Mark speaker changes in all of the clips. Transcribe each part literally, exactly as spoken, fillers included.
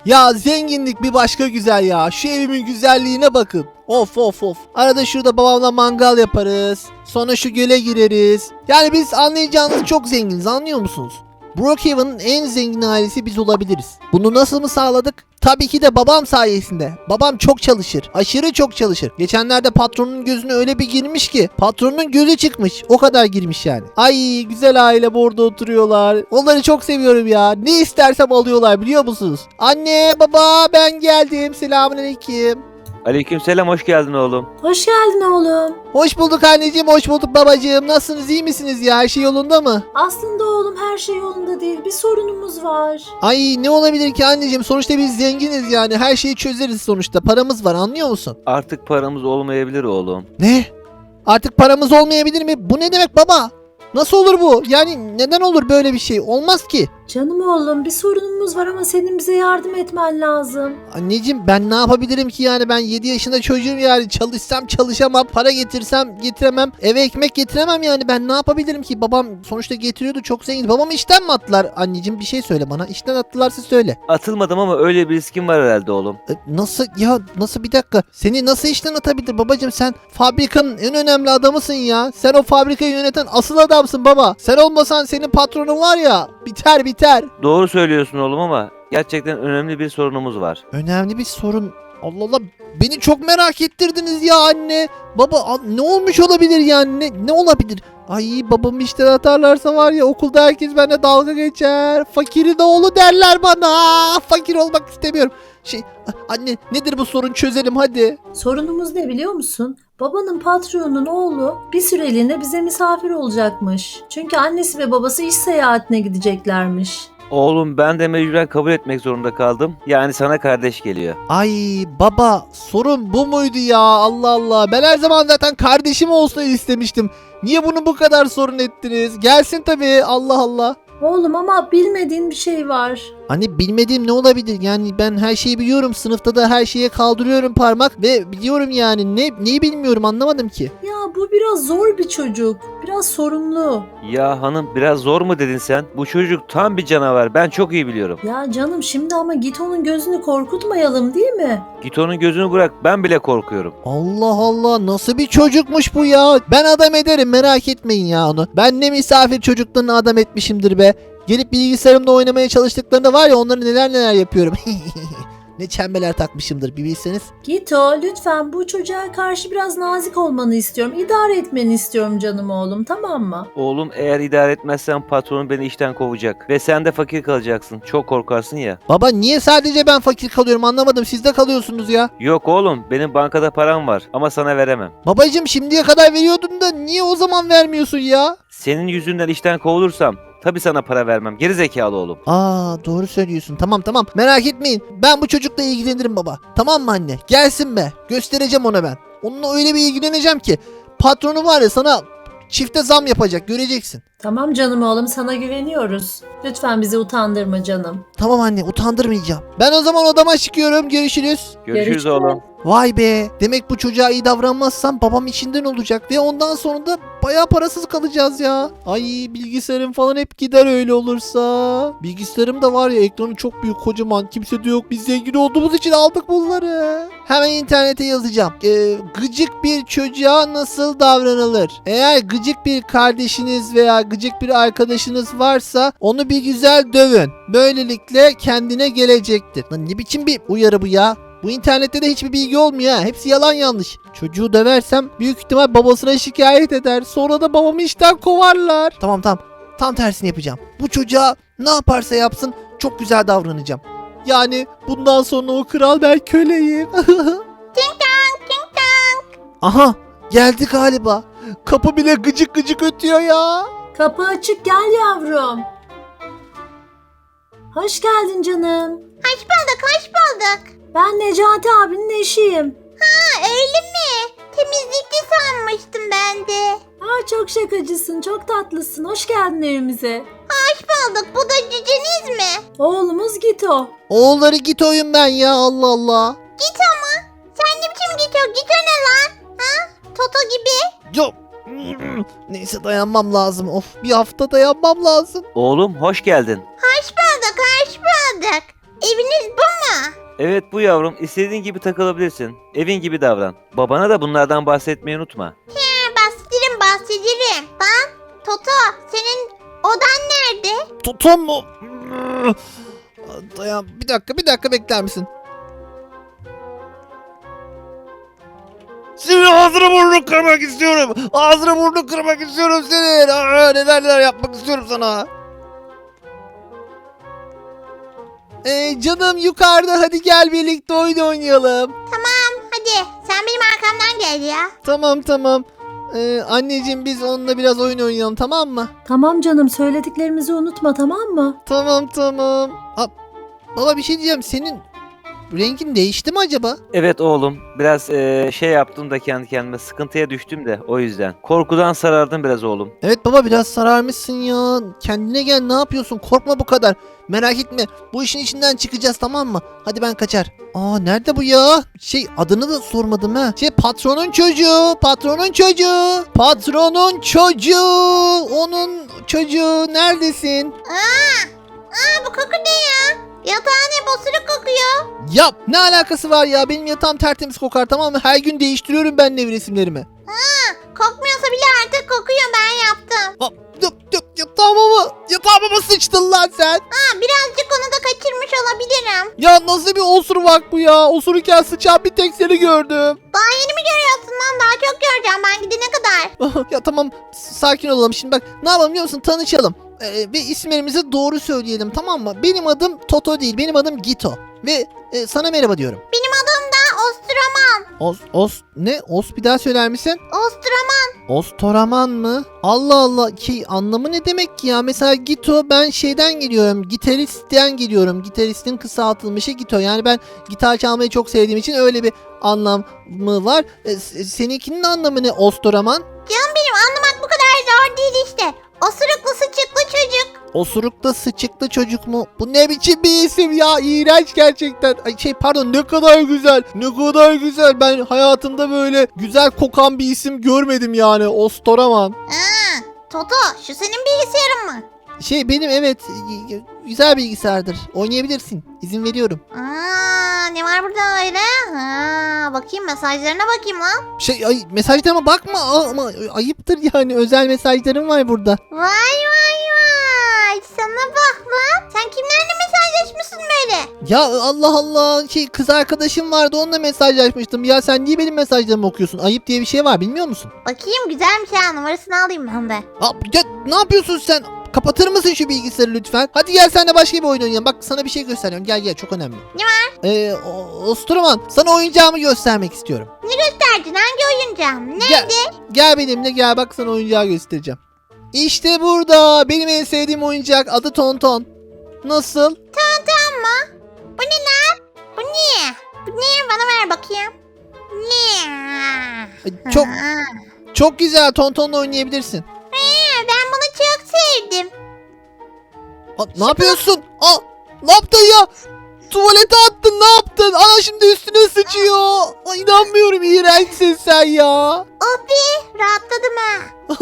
Speaker 1: Ya zenginlik bir başka güzel ya. Şu evimin güzelliğine bakın. Of of of. Arada şurada babamla mangal yaparız. Sonra şu göle gireriz. Yani biz anlayacağınız çok zenginiz, anlıyor musunuz? Brookhaven'ın en zengin ailesi biz olabiliriz. Bunu nasıl mı sağladık? Tabii ki de babam sayesinde. Babam çok çalışır. Aşırı çok çalışır. Geçenlerde patronun gözüne öyle bir girmiş ki patronun gözü çıkmış. O kadar girmiş yani. Ay güzel aile burada oturuyorlar. Onları çok seviyorum ya. Ne istersem alıyorlar, biliyor musunuz? Anne baba ben geldim. Selamünaleyküm.
Speaker 2: Aleykümselam, hoş geldin oğlum.
Speaker 3: Hoş geldin oğlum.
Speaker 1: Hoş bulduk anneciğim, hoş bulduk babacığım. Nasılsınız, iyi misiniz ya? Her şey yolunda mı?
Speaker 3: Aslında oğlum her şey yolunda değil. Bir sorunumuz var.
Speaker 1: Ay ne olabilir ki anneciğim? Sonuçta biz zenginiz yani. Her şeyi çözeriz sonuçta. Paramız var, anlıyor musun?
Speaker 2: Artık paramız olmayabilir oğlum.
Speaker 1: Ne? Artık paramız olmayabilir mi? Bu ne demek baba? Nasıl olur bu? Yani neden olur böyle bir şey? Olmaz ki.
Speaker 3: Canım oğlum bir sorunumuz var ama senin bize yardım etmen lazım.
Speaker 1: Anneciğim ben ne yapabilirim ki yani? Ben yedi yaşında çocuğum yani. Çalışsam çalışamam. Para getirsem getiremem. Eve ekmek getiremem yani. Ben ne yapabilirim ki? Babam sonuçta getiriyordu, çok zengin. Babamı işten mi attılar? Anneciğim bir şey söyle bana. İşten attılarsa söyle.
Speaker 2: Atılmadım ama öyle bir riskim var herhalde oğlum.
Speaker 1: E, Nasıl ya, nasıl, bir dakika, seni nasıl işten atabilir babacığım? Sen fabrikanın en önemli adamısın ya. Sen o fabrikayı yöneten asıl adamsın baba. Sen olmasan senin patronun var ya, biter biter.
Speaker 2: Doğru söylüyorsun oğlum ama gerçekten önemli bir sorunumuz var.
Speaker 1: Önemli bir sorun. Allah Allah, beni çok merak ettirdiniz ya anne. Baba a- ne olmuş olabilir yani, ne, ne olabilir? Ay babamı işten atarlarsa var ya, okulda herkes benimle dalga geçer. Fakirin oğlu derler bana. Fakir olmak istemiyorum. Şey anne, nedir bu sorun, çözelim hadi.
Speaker 3: Sorunumuz ne biliyor musun? Babanın patronunun oğlu bir süreliğine bize misafir olacakmış. Çünkü annesi ve babası iş seyahatine gideceklermiş.
Speaker 2: Oğlum ben de mecburen kabul etmek zorunda kaldım. Yani sana kardeş geliyor.
Speaker 1: Ay baba, sorun bu muydu ya? Allah Allah, ben her zaman zaten kardeşim olsun istemiştim. Niye bunu bu kadar sorun ettiniz? Gelsin tabii, Allah Allah.
Speaker 3: Oğlum ama bilmediğin bir şey var.
Speaker 1: Hani bilmediğim ne olabilir? Yani ben her şeyi biliyorum. Sınıfta da her şeye kaldırıyorum parmak ve biliyorum yani. Ne neyi bilmiyorum, anlamadım ki.
Speaker 3: Ya bu biraz zor bir çocuk. Biraz sorumlu.
Speaker 2: Ya hanım, biraz zor mu dedin sen? Bu çocuk tam bir canavar, ben çok iyi biliyorum.
Speaker 3: Ya canım şimdi ama git onun gözünü korkutmayalım değil mi?
Speaker 2: Git onun gözünü bırak, ben bile korkuyorum.
Speaker 1: Allah Allah, nasıl bir çocukmuş bu ya? Ben adam ederim, merak etmeyin ya onu. Ben ne misafir çocuklarını adam etmişimdir be. Gelip bilgisayarımda oynamaya çalıştıklarında var ya, onları neler neler yapıyorum. Ne çembeler takmışımdır bir bilseniz.
Speaker 3: Gito lütfen bu çocuğa karşı biraz nazik olmanı istiyorum. İdare etmeni istiyorum canım oğlum, tamam mı?
Speaker 2: Oğlum eğer idare etmezsen patronun beni işten kovacak. Ve sen de fakir kalacaksın. Çok korkarsın ya.
Speaker 1: Baba niye sadece ben fakir kalıyorum, anlamadım. Siz de kalıyorsunuz ya.
Speaker 2: Yok oğlum, benim bankada param var ama sana veremem.
Speaker 1: Babacım şimdiye kadar veriyordun da niye o zaman vermiyorsun ya?
Speaker 2: Senin yüzünden işten kovulursam tabii sana para vermem. Geri zekalı oğlum.
Speaker 1: Aa doğru söylüyorsun. Tamam tamam, merak etmeyin. Ben bu çocukla ilgilenirim baba. Tamam mı anne? Gelsin be. Göstereceğim ona ben. Onunla öyle bir ilgileneceğim ki patronu var ya, sana çifte zam yapacak, göreceksin.
Speaker 3: Tamam canım oğlum, sana güveniyoruz. Lütfen bizi utandırma canım.
Speaker 1: Tamam anne, utandırmayacağım. Ben o zaman odama çıkıyorum. Görüşürüz.
Speaker 2: Görüşürüz
Speaker 3: Görüşürüz.
Speaker 2: oğlum.
Speaker 1: Vay be. Demek bu çocuğa iyi davranmazsam babam içinden olacak ve ondan sonra da bayağı parasız kalacağız ya. Ay bilgisayarım falan hep gider öyle olursa. Bilgisayarım da var ya, ekranı çok büyük, kocaman. Kimse de yok. Biz zengin olduğumuz için aldık bunları. Hemen internete yazacağım. Ee, gıcık bir çocuğa nasıl davranılır? Eğer gıcık bir kardeşiniz veya gıcık bir arkadaşınız varsa onu bir güzel dövün. Böylelikle kendine gelecektir. Lan ne biçim bir uyarı bu ya? Bu internette de hiçbir bilgi olmuyor ha. Hepsi yalan yanlış. Çocuğu döversem büyük ihtimal babasına şikayet eder. Sonra da babamı işten kovarlar. Tamam tamam. Tam tersini yapacağım. Bu çocuğa ne yaparsa yapsın çok güzel davranacağım. Yani bundan sonra o kral, ben köleyim. Aha geldi galiba. Kapı bile gıcık gıcık ötüyor ya.
Speaker 3: Kapı açık, gel yavrum. Hoş geldin canım.
Speaker 4: Hoş bulduk, hoş bulduk.
Speaker 3: Ben Necati abinin eşiyim.
Speaker 4: Ha öyle mi? Temizlikçi sanmıştım ben de.
Speaker 3: Aa, çok şakacısın, çok tatlısın. Hoş geldin evimize.
Speaker 4: Hoş bulduk. Bu da cüceniz mi?
Speaker 3: Oğlumuz Gito.
Speaker 1: Oğulları git oyun ben ya, Allah Allah.
Speaker 4: Gito mu? Sen ne biçim Gito? Gito ne lan? Ha? Toto gibi.
Speaker 1: Yok. Neyse dayanmam lazım. Of, bir hafta dayanmam lazım.
Speaker 2: Oğlum hoş geldin.
Speaker 4: Hoş bulduk, hoş bulduk. Eviniz bu mu?
Speaker 2: Evet bu yavrum, istediğin gibi takılabilirsin. Evin gibi davran. Babana da bunlardan bahsetmeyi unutma.
Speaker 4: He, bahsederim bahsederim. Lan Toto senin odan nerede?
Speaker 1: Totom mu? Dayan bir dakika bir dakika bekler misin? Senin ağzını burnunu kırmak istiyorum. Ağzını burnunu kırmak istiyorum senin. Aa, neler neler yapmak istiyorum sana. Ee, canım yukarıda, hadi gel birlikte oyun oynayalım.
Speaker 4: Hadi sen benim arkamdan gel ya.
Speaker 1: Tamam tamam. Ee, anneciğim biz onunla biraz oyun oynayalım, tamam mı?
Speaker 3: Tamam canım, söylediklerimizi unutma, tamam mı?
Speaker 1: Tamam tamam. Aa, baba bir şey diyeceğim, senin rengin değişti mi acaba?
Speaker 2: Evet oğlum, biraz eee, şey yaptım da kendi kendime, sıkıntıya düştüm de o yüzden. Korkudan sarardım biraz oğlum.
Speaker 1: Evet baba, biraz sararmışsın ya. Kendine gel, ne yapıyorsun? Korkma bu kadar. Merak etme. Bu işin içinden çıkacağız, tamam mı? Hadi ben kaçar. Aa, nerede bu ya? Şey, adını da sormadım ha. Şey, patronun çocuğu. Patronun çocuğu. Patronun çocuğu. Onun çocuğu. Neredesin?
Speaker 4: Aa, aa bu koku ne ya? Yatağın hep osuruk kokuyor.
Speaker 1: Ya ne alakası var ya? Benim yatağım tertemiz kokar, tamam mı? Her gün değiştiriyorum ben nevresimlerimi.
Speaker 4: Kokmuyorsa bile artık kokuyor, ben yaptım.
Speaker 1: Aa, dur, dur, yatağıma mı? Yatağıma mı sıçtın lan sen?
Speaker 4: Ha, birazcık onu da kaçırmış olabilirim.
Speaker 1: Ya nasıl bir osuruk bu ya? Osururken sıçan bir tek seni gördüm.
Speaker 4: Daha yeni mi görüyorsun lan? Daha çok göreceğim ben gidene kadar.
Speaker 1: Ya tamam, s- sakin olalım. Şimdi bak, ne yapalım biliyor musun? Tanışalım. Ee, ve isimlerimizi doğru söyleyelim, tamam mı? Benim adım Toto değil, benim adım Gito. Ve e, sana merhaba diyorum.
Speaker 4: Benim adım da Ostroman.
Speaker 1: Os, os, ne? Os bir daha söyler misin?
Speaker 4: Ostroman.
Speaker 1: Ostoraman mı? Allah Allah, ki anlamı ne demek ki ya? Mesela Gito, ben şeyden geliyorum. Gitaristten geliyorum. Gitaristin kısaltılmışı Gito. Yani ben gitar çalmayı çok sevdiğim için öyle bir anlamı var. E, s- seninkinin anlamı ne Ostoraman?
Speaker 4: Canım benim, anlamak bu kadar zor değil işte. Osuruklu sıçıklı çocuk.
Speaker 1: Osurukta sıçıklı çocuk mu? Bu ne biçim bir isim ya? İğrenç gerçekten. Ay şey, pardon, ne kadar güzel. Ne kadar güzel. Ben hayatımda böyle güzel kokan bir isim görmedim yani. Ostoraman.
Speaker 4: Ha, Toto şu senin bilgisayarın mı?
Speaker 1: Şey, benim, evet, y- y- güzel bilgisayardır. Oynayabilirsin. İzin veriyorum.
Speaker 4: Aa, ne var burada öyle? Ha, bakayım mesajlarına bakayım lan.
Speaker 1: Şey, ay, mesajlarıma bakma Aa, ama ayıptır yani. Özel mesajlarım var burada.
Speaker 4: Vay vay vay. Sana bak lan. Sen kimlerle mesajlaşmışsın böyle?
Speaker 1: Ya Allah Allah, şey, kız arkadaşım vardı, onunla mesajlaşmıştım. Ya sen niye benim mesajlarımı okuyorsun? Ayıp diye bir şey var, bilmiyor musun?
Speaker 4: Bakayım, güzelmiş ha, numarasını alayım ben de.
Speaker 1: Aa, ya, ne yapıyorsun sen? Kapatır mısın şu bilgisayarı lütfen? Hadi gel, sen de başka bir oyun oynayalım. Bak, sana bir şey gösteriyorum. Gel gel, çok önemli.
Speaker 4: Ne var?
Speaker 1: Ee, o- Ostroman, sana oyuncağımı göstermek istiyorum.
Speaker 4: Derdin hangi oyuncağım? Ne?
Speaker 1: Gel, gel benimle, gel, bak sana oyuncağı göstereceğim. İşte burada benim en sevdiğim oyuncak, adı Tonton. Nasıl?
Speaker 4: Tamam mı? Bu ne lan? Bu ne? Bu ne? Bana ver bakayım. Ne?
Speaker 1: Ay, Çok
Speaker 4: Ha.
Speaker 1: çok güzel, Tonton'la oynayabilirsin.
Speaker 4: Ha, ben bunu çok sevdim.
Speaker 1: Aa, ne yapıyorsun? Aa, ne yaptın ya? Tuvalete attın, ne yaptın? Ana şimdi üstüne sıçıyor. Ay, inanmıyorum, iğrençsin sen ya.
Speaker 4: Oh be, rahatladım ha.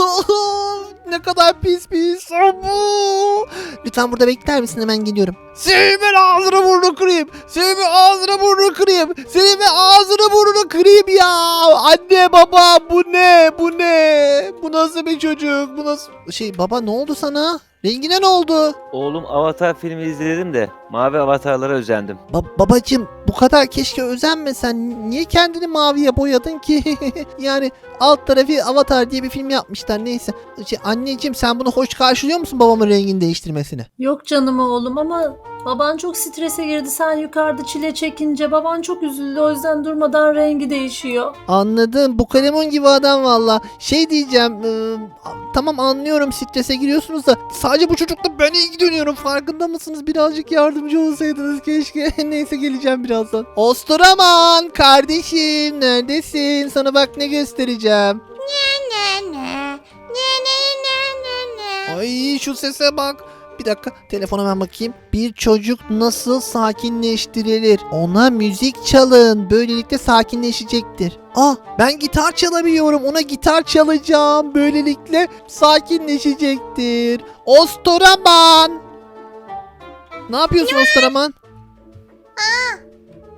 Speaker 1: Ne kadar pis bir insan bu. Lütfen burada bekler misin? Hemen geliyorum. Senin ben ağzını burnunu kırayım. Senin ben ağzını burnunu kırayım. Senin ben ağzını burnunu kırayım ya. Anne baba, bu ne? Bu ne? Bu nasıl bir çocuk? Bu nasıl? Şey baba, ne oldu sana? Rengine ne oldu?
Speaker 2: Oğlum, Avatar filmi izledim de mavi avatarlara özendim.
Speaker 1: Ba- babacım, bu kadar keşke özenmesen. Niye kendini maviye boyadın ki? Yani alt tarafı Avatar diye bir film yapmışlar, neyse. Şey, anneciğim, sen bunu hoş karşılıyor musun, babamın rengini değiştirmesini?
Speaker 3: Yok canım oğlum, ama baban çok strese girdi. Sen yukarıda çile çekince baban çok üzüldü. O yüzden durmadan rengi değişiyor.
Speaker 1: Anladım, bu kalemun gibi adam valla. Şey diyeceğim, e, tamam anlıyorum, strese giriyorsunuz da sadece bu çocukla ben ilgileniyorum, farkında mısınız? Birazcık yardımcı olsaydınız keşke. Neyse, geleceğim birazdan. Ostoraman kardeşim, neredesin? Sana bak ne göstereceğim.
Speaker 4: Ne ne? Ne ne ne ne ne?
Speaker 1: Ay, şu sese bak. Bir dakika, telefona hemen bakayım. Bir çocuk nasıl sakinleştirilir? Ona müzik çalın. Böylelikle sakinleşecektir. Ah, ben gitar çalabiliyorum. Ona gitar çalacağım. Böylelikle sakinleşecektir. Ostoraman. Ne yapıyorsun Ostoraman?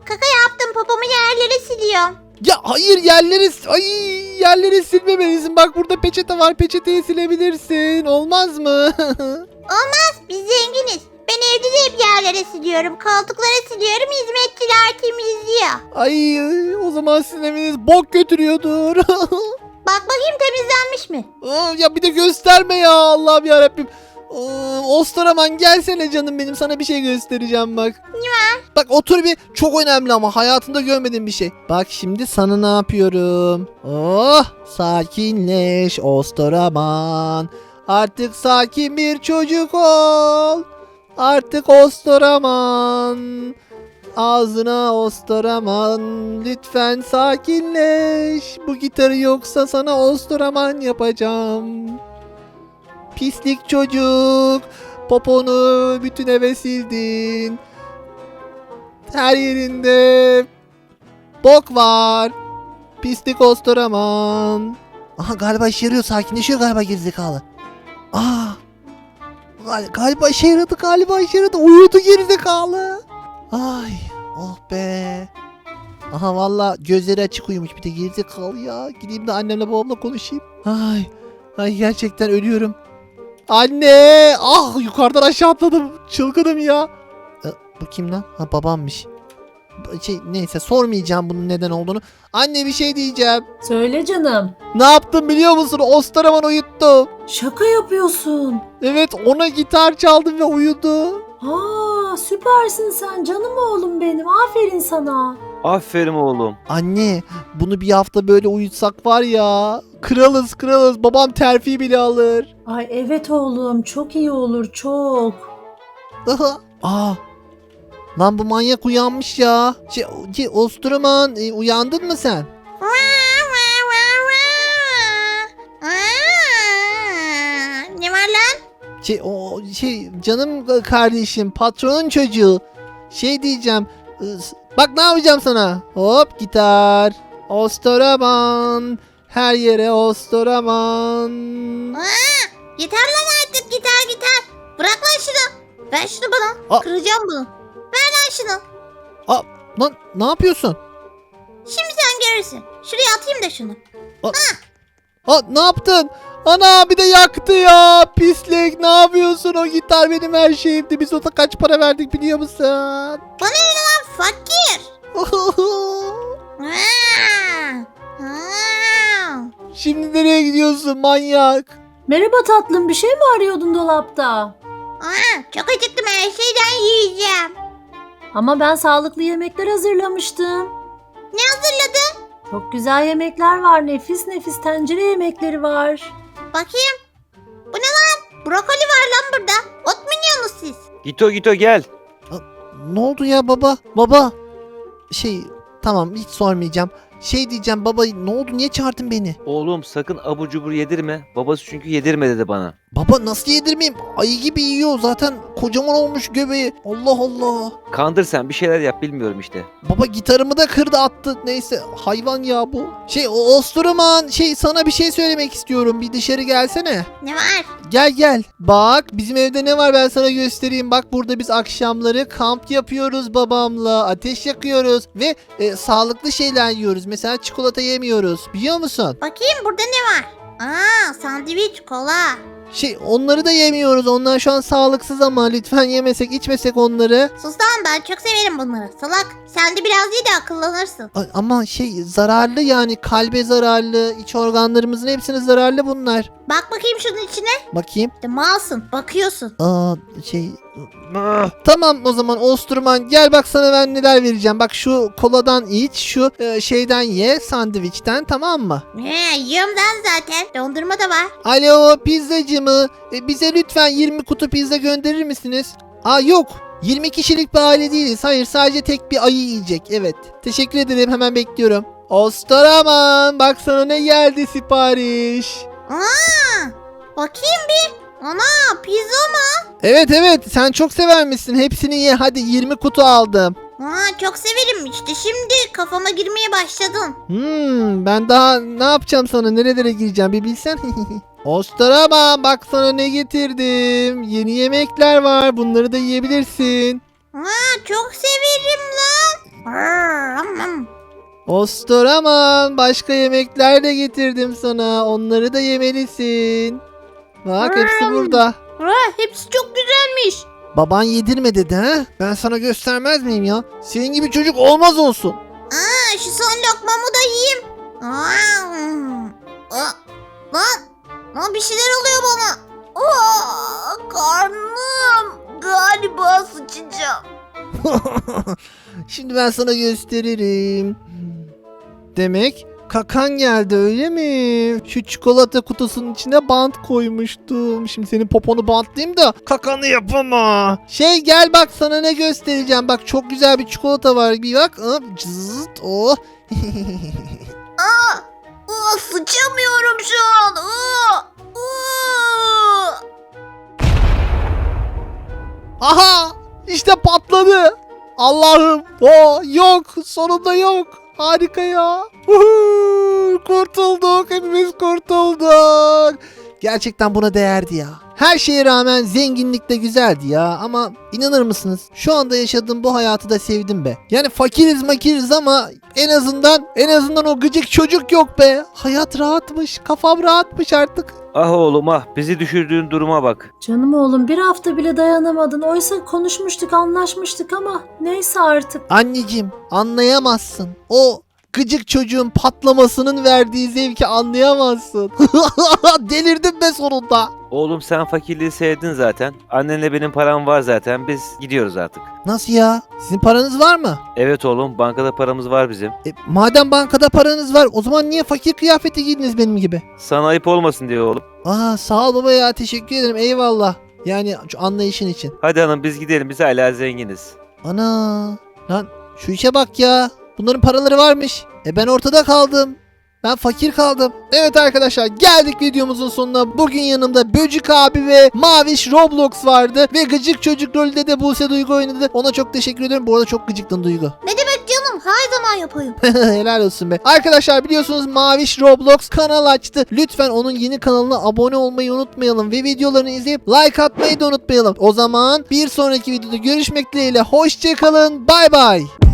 Speaker 4: kaka yaptım. Popomu yerlere siliyorum.
Speaker 1: Ya hayır, yerleri ay yerleri silmemelisin. Bak burada peçete var. Peçeteyi silebilirsin. Olmaz mı?
Speaker 4: Biz zenginiz. Ben evde de hep yerlere siliyorum. Koltuklara siliyorum. Hizmetçiler temizliyor.
Speaker 1: Ay o zaman sizin eviniz bok götürüyordur.
Speaker 4: Bak bakayım temizlenmiş mi?
Speaker 1: Aa, ya bir de gösterme ya, Allah'ım yarabbim. Aa, Ostaraman gelsene canım benim, sana bir şey göstereceğim bak. Ne var? Bak otur bir, çok önemli ama hayatında görmediğim bir şey. Bak şimdi sana ne yapıyorum. Oh sakinleş Ostaraman. Artık sakin bir çocuk ol. Artık Ostaraman. Ağzına Ostaraman, lütfen sakinleş. Bu gitarı yoksa sana Ostaraman yapacağım. Pislik çocuk, poponu bütün eve sildin. Her yerinde bok var. Pislik Ostaraman. Aha galiba işe yarıyor, sakinleşiyor galiba gerizekalı. Aa, gal- galiba işe yaradı, galiba işe yaradı. Uyudu gerizekalı. Ay oh be. Aha valla gözleri açık uyumuş bir de gerizekalı ya. Gideyim de annemle babamla konuşayım. Ay ay gerçekten ölüyorum. Anne! Ah yukarıdan aşağı atladım. Çılgınım ya. E, bu kim lan? Ha babammış. B- Şey neyse sormayacağım bunun neden olduğunu. Anne bir şey diyeceğim.
Speaker 3: Söyle canım.
Speaker 1: Ne yaptım biliyor musun? Ostaraman uyuttum.
Speaker 3: Şaka yapıyorsun.
Speaker 1: Evet ona gitar çaldım ve uyudu.
Speaker 3: Aa, süpersin sen canım oğlum benim. Aferin sana.
Speaker 2: Aferin oğlum.
Speaker 1: Anne bunu bir hafta böyle uyutsak var ya. Kralız kralız. Babam terfi bile alır.
Speaker 3: Ay evet oğlum, çok iyi olur, çok.
Speaker 1: Aa. Lan bu manyak uyanmış ya. Şey, şey Ostaraman e, uyandın mı sen?
Speaker 4: Vaa, vaa, vaa, vaa. Aa, ne var lan?
Speaker 1: Şey o şey canım kardeşim, patronun çocuğu. Şey diyeceğim. ıs- Bak ne yapacağım sana. Hop gitar. Ostaraman. Her yere Ostaraman.
Speaker 4: Aa, yeter lan artık gitar gitar. Bırak lan şunu. Ver şunu bana.
Speaker 1: Aa.
Speaker 4: Kıracağım bunu. Ver lan şunu.
Speaker 1: Lan ne yapıyorsun?
Speaker 4: Şimdi sen görürsün. Şuraya atayım da şunu.
Speaker 1: Aa, ne yaptın? Ana bir de yaktı ya. Pislik, ne yapıyorsun? O gitar benim her şeyimdi. Biz ona kaç para verdik biliyor musun?
Speaker 4: Bana ne lan fakir. Aa, aa.
Speaker 1: Şimdi nereye gidiyorsun manyak?
Speaker 3: Merhaba tatlım, bir şey mi arıyordun dolapta?
Speaker 4: Aa, çok acıktım, her şeyden yiyeceğim.
Speaker 3: Ama ben sağlıklı yemekler hazırlamıştım.
Speaker 4: Ne hazırladın?
Speaker 3: Çok güzel yemekler var, nefis nefis tencere yemekleri var.
Speaker 4: Bakayım. Bu ne lan? Brokoli var lan burada. Ot mu yiyorsunuz siz?
Speaker 2: Gito Gito gel.
Speaker 1: Ne oldu ya baba? Baba. Şey tamam hiç sormayacağım. Şey diyeceğim baba, ne oldu, niye çağırdın beni?
Speaker 2: Oğlum sakın abur cubur yedirme. Babası çünkü yedirme dedi bana.
Speaker 1: Baba nasıl yedirmeyeyim? Ayı gibi yiyor zaten, kocaman olmuş göbeği. Allah Allah.
Speaker 2: Kandır sen bir şeyler yap bilmiyorum işte.
Speaker 1: Baba gitarımı da kırdı attı. Neyse hayvan ya bu. Şey o Ostaraman, şey sana bir şey söylemek istiyorum. Bir dışarı gelsene.
Speaker 4: Ne var?
Speaker 1: Gel gel. Bak bizim evde ne var ben sana göstereyim. Bak burada biz akşamları kamp yapıyoruz babamla. Ateş yakıyoruz ve e, sağlıklı şeyler yiyoruz. Mesela çikolata yemiyoruz. Biliyor musun?
Speaker 4: Bakayım burada ne var? Aa, sandviç, kola.
Speaker 1: Şey onları da yemiyoruz. Onlar şu an sağlıksız ama lütfen yemesek içmesek onları.
Speaker 4: Sus lan, ben çok severim bunları. Salak, sen de biraz iyi de akıllanırsın.
Speaker 1: A- Ama şey zararlı yani, kalbe zararlı, iç organlarımızın hepsine zararlı bunlar.
Speaker 4: Bak bakayım şunun içine.
Speaker 1: Bakayım.
Speaker 4: İşte malsın, bakıyorsun.
Speaker 1: Aa şey tamam o zaman Osturman gel bak sana ben neler vereceğim. Bak şu koladan iç, şu e, şeyden ye, sandviçten, tamam mı?
Speaker 4: He, yiyorum ben zaten. Dondurma da var.
Speaker 1: Alo pizzacı mı? E, bize lütfen yirmi kutu pizza gönderir misiniz? Aa yok. yirmi kişilik bir aile değiliz. Hayır sadece tek bir ayı yiyecek. Evet. Teşekkür ederim, hemen bekliyorum. Ostaraman bak sana ne geldi sipariş.
Speaker 4: Aa, bakayım bir. Ana, pizza mı?
Speaker 1: Evet evet sen çok severmişsin. Hepsini ye hadi, yirmi kutu aldım.
Speaker 4: Aa, çok severim işte, şimdi kafama girmeye başladın.
Speaker 1: Hmm, ben daha ne yapacağım sana, nerelere gireceğim bir bilsen. Ostaraman bak sana ne getirdim. Yeni yemekler var, bunları da yiyebilirsin.
Speaker 4: Aa, çok severim lan. Aa,
Speaker 1: Ostur aman, başka yemekler de getirdim sana. Onları da yemelisin. Bak hepsi
Speaker 4: Hmm.
Speaker 1: burada.
Speaker 4: Ha, hepsi çok güzelmiş.
Speaker 1: Baban yedirme dedi ha? Ben sana göstermez miyim ya? Senin gibi çocuk olmaz olsun.
Speaker 4: Aa, şu son lokmamı da yiyeyim. Aa, hmm. Aa, lan, lan bir şeyler oluyor bana. Aa, karnım. Galiba sıçacağım.
Speaker 1: Şimdi ben sana gösteririm. Demek kakan geldi öyle mi? Şu çikolata kutusunun içine bant koymuştum. Şimdi senin poponu bantlayayım da kakanı yapama. Şey gel bak sana ne göstereceğim. Bak çok güzel bir çikolata var. Bir bak. Hop, cızıt, oh.
Speaker 4: Aa, aa, sıçamıyorum şu an. Aa, aa.
Speaker 1: Aha! İşte patladı. Allah'ım. O yok. Sonunda yok. Harika ya. Uhu, kurtulduk. Hepimiz kurtulduk. Gerçekten buna değerdi ya. Her şeye rağmen zenginlik de güzeldi ya. Ama inanır mısınız? Şu anda yaşadığım bu hayatı da sevdim be. Yani fakiriz makiriz ama en azından en azından o gıcık çocuk yok be. Hayat rahatmış. Kafam rahatmış artık.
Speaker 2: Ah oğlum ah, bizi düşürdüğün duruma bak.
Speaker 3: Canım oğlum, bir hafta bile dayanamadın. Oysa konuşmuştuk, anlaşmıştık ama neyse artık.
Speaker 1: Anneciğim anlayamazsın. O gıcık çocuğun patlamasının verdiği zevki anlayamazsın. Delirdim be sonunda.
Speaker 2: Oğlum sen fakirliği sevdin zaten. Annenle benim param var zaten. Biz gidiyoruz artık.
Speaker 1: Nasıl ya? Sizin paranız var mı?
Speaker 2: Evet oğlum, bankada paramız var bizim.
Speaker 1: E, madem bankada paranız var o zaman niye fakir kıyafeti giydiniz benim gibi?
Speaker 2: Sana ayıp olmasın diye oğlum.
Speaker 1: Aa sağ ol baba ya, teşekkür ederim, eyvallah. Yani şu anlayışın için.
Speaker 2: Hadi hanım biz gidelim, biz hala zenginiz.
Speaker 1: Ana lan şu işe bak ya. Bunların paraları varmış. E ben ortada kaldım. Ben fakir kaldım. Evet arkadaşlar, geldik videomuzun sonuna. Bugün yanımda Böcük abi ve Maviş Roblox vardı. Ve gıcık çocuk rolünde de Buse Duygu oynadı. Ona çok teşekkür ederim. Bu arada çok gıcıktın Duygu.
Speaker 4: Ne demek canım? Her zaman yapayım.
Speaker 1: Helal olsun be. Arkadaşlar biliyorsunuz Maviş Roblox kanal açtı. Lütfen onun yeni kanalına abone olmayı unutmayalım. Ve videolarını izleyip like atmayı da unutmayalım. O zaman bir sonraki videoda görüşmek dileğiyle. Hoşçakalın. Bay bay.